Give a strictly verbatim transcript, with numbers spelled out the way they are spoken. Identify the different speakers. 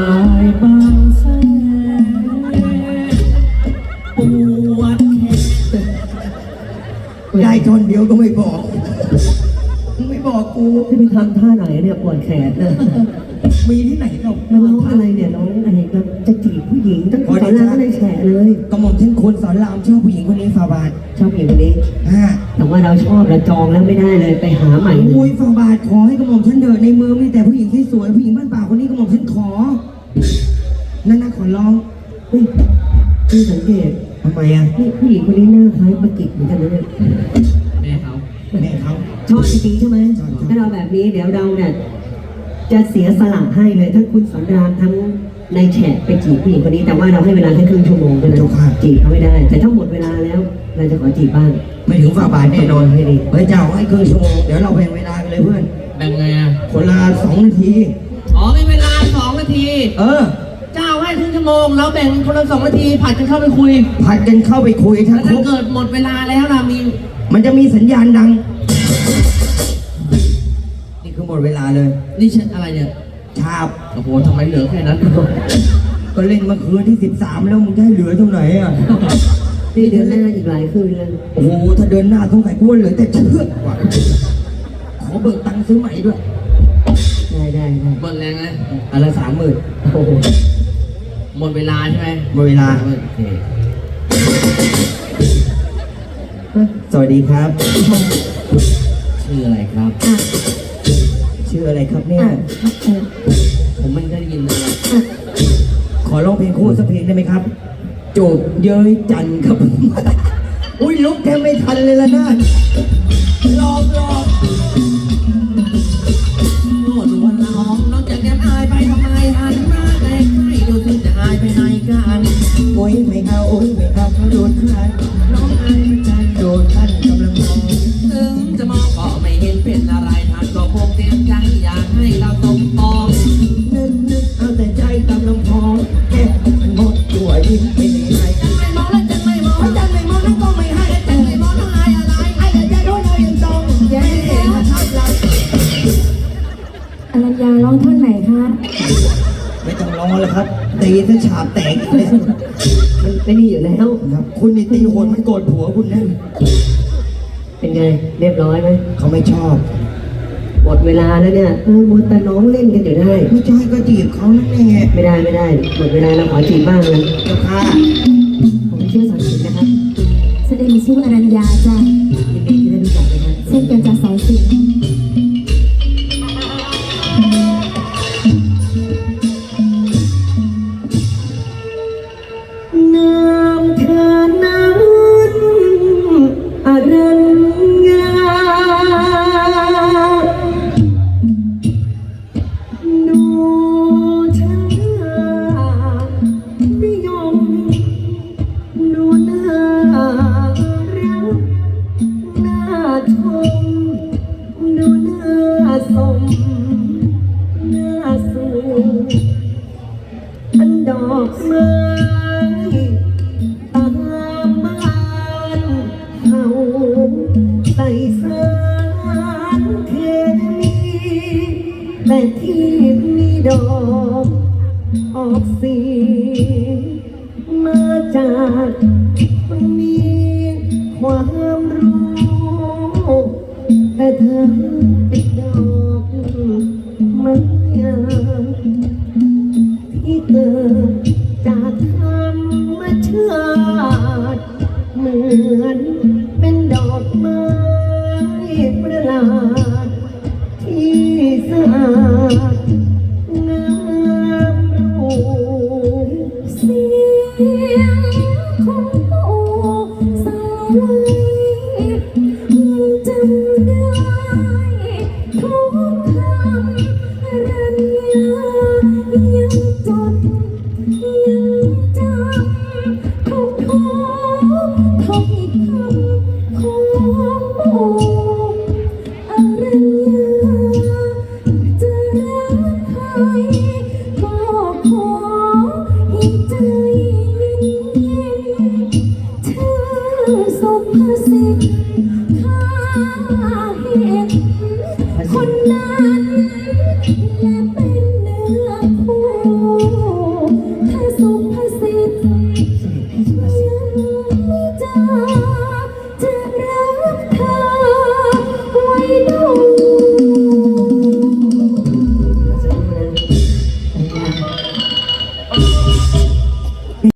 Speaker 1: ายบางแสนปวดแขนได้ทนเดียวก็ไม่บอกไม่บอกกู
Speaker 2: จะไปทำท่าไหนเนี่ยปวดแขนเนี่ย
Speaker 1: มีที่ไหนเรา
Speaker 2: มาร้องอะไรเนี่ยร้องอะไรก็จะจีบผู้หญิงตั้งแต่สอนรามก็เลยแฉเลย
Speaker 1: กระหม่อมเช่นคนสอนรามชอบผู้หญิงคนนี้ฟาบาท
Speaker 2: ชอบผู้หญิงคนนี้แต่ว่าเราชอบเราจองแล้วไม่ได้เลยไปหาใหม่
Speaker 1: อุ้ยฟาบาทขอให้กระหม่อมฉันเดินในเมืองมีแต่ผู้หญิงที่สวยผู้หญิงบ้านป่าคนนี้กระหม่อมฉันขอนั่นนะขอร้อง
Speaker 2: เฮ้ยพี่สังเกต
Speaker 1: ทำไมอ่ะ
Speaker 2: นี่ผู้หญิงคนนี้หน้าคล้ายปะกิจเหมือนกันนะเนี่ย
Speaker 1: แม่เขาแม่เขา
Speaker 2: ชอบจริงๆใช่ไหมถ้าเราแบบนี้เดี๋ยวเราเนี่ยจะเสียสละให้เลยทั้งคุณสอนรามทั้งนายแฉะไปจีบผู้หญิงคนนี้แต่ว่าเราให้เวลาแค่ครึ่งชั่วโมงเท่านั้นจีบเขาไม่ได้แต่ถ้าหมดเวลาแล้วเราจะขอจีบบ้าง
Speaker 1: ไม่ถึงฝ่าบาทแน่นอนให้ดีเฮ้ยเจ้าให้ครึ่งชั่วโมงเดี๋ยวเราแบ่งเวลากันเลยเพื่อน
Speaker 3: แบ่งไงอ่ะ
Speaker 1: คนละสองนาที
Speaker 3: อ๋อเป็นเวลาสองนาที
Speaker 1: เออ
Speaker 3: เจ้าให้ครึ่งชั่วโมงแล้วแบ่งคนละสองนาทีผัดกันเข้าไปคุย
Speaker 1: ผัดกันเข้าไปคุยถ้า
Speaker 3: เกิดหมดเวลาแล้วล่ะมี
Speaker 1: มันจะมีสัญญาณดังนี่คือหมดเวลาเลย
Speaker 3: นี่ฉันอะไรเนี่ย
Speaker 1: ชาบ
Speaker 3: โอ้โหทำไมเหลือแค่นั้น
Speaker 1: ก็เล่นมาคืนที่สิบสามแล้วมึงจะให้เหลือเท่าไหร่อ่ะ
Speaker 2: นี่เดือนหน้าอีกหลายคืนเลย
Speaker 1: โอ้โหถ้าเดินหน้าต้องใส่กุ้งเหลือแต่เชือกว่ะขอเบิกตังค์ซื้อใหม่ด้วย
Speaker 2: ได้ได้ได้
Speaker 3: หมดแรงไหม
Speaker 1: อันละสามหมื่น
Speaker 3: โอ้โหหมดเวลาใช่ไหม
Speaker 1: หมดเวลาสวัสดีครับ
Speaker 3: ชื่ออะไรครับ
Speaker 1: ชื่ออะไรครับเนี่ย
Speaker 3: ผมไม่ได้ยินเลย
Speaker 1: ขอร้องเพลงคู่สักเพลงได้ไหมครับจูบเย้ยจันครับอุ้ยลุกแทบไม่ทันเลยละน่ารอบรอบ
Speaker 3: โน่นวันน้องน้องจะแก้มอายไปทำไมหันมาใกล้ๆดูสิจะอายไปไหนกัน
Speaker 1: โอ้ยไม่เอาโอ้ยไม่เอาเขาโดนใครน้องอายไม่ใจโดนท่านกำลังมอง
Speaker 3: ถึงจะมองก็ไม่เห็นเป็นอะไรท่านก็คงเตรียมใจอยากให้เราสมปอง
Speaker 1: นึกนึกเอาแต่ใจตามลำพองแค่หมดตัวยิ้มไม่ได้ให้
Speaker 3: จังไม่มองแล้วจังไม่มอง
Speaker 1: จังไม่มองแล้วก็ไม่ให้
Speaker 3: จังไม่มองแล้วอายอะไร
Speaker 1: ไอ้แต่ใจโดนเรายังต้องแย่มาทับเรา
Speaker 4: อรัญญาร้องท่อนไหนคะ
Speaker 1: ไม่ต้องร้องแล้วครับตีซะฉาบแตกเลย
Speaker 2: มันไม่ดีอยู่แล้ว
Speaker 1: ครับคุณนี่ตีโหดมันโกรธผัวคุณนั่น
Speaker 2: เป็นไงเรียบร้อยไหม
Speaker 1: เขาไม่ชอบ
Speaker 2: หมดเวลาแล้วเนี่ยเออมัวแต่น้องเล่นกันอยู่ได้
Speaker 1: ไม่ใช่ก็จีบเขานั่นแหละ
Speaker 2: ไม่ได้ไม่ได้หมดเวลาเราขอจีบบ้างเลย
Speaker 1: เจ้าค่ะ
Speaker 2: ผมชื่อสอนสินนะครับ
Speaker 4: แสดงชื่ออรัญญาจ้ะ
Speaker 2: ยินดีที่ได้รู้จักนะครับ
Speaker 4: เช่นกันจากสายสิน
Speaker 2: น้ำเธอนั้นอรัญญาดูฉันนิยมดูน่ารักน่าชมดูน่าสมน่าสูอันดอกไม้ตามบ้านเฮาใส่สารเคมีแต่ที่มีดอกออกสีมาจากมีความรู้แต่เธอเป็นดอกไม้ที่เกิดจากธรรมชาติเหมือนเป็นดอกไม้ประหลาดที่สะอาดงามรูป
Speaker 4: เสียงของปู่สาวไว้จำได้ทุกคำอรัญญายังจดยังจำทุกทุกถ้อยคำของปู่อรัญญาจะรักใครก็ขอให้ใจเย็นๆเธอสุภาษิตข้าเห็นคนนั้นและเป็นเนื้อคู่
Speaker 3: เ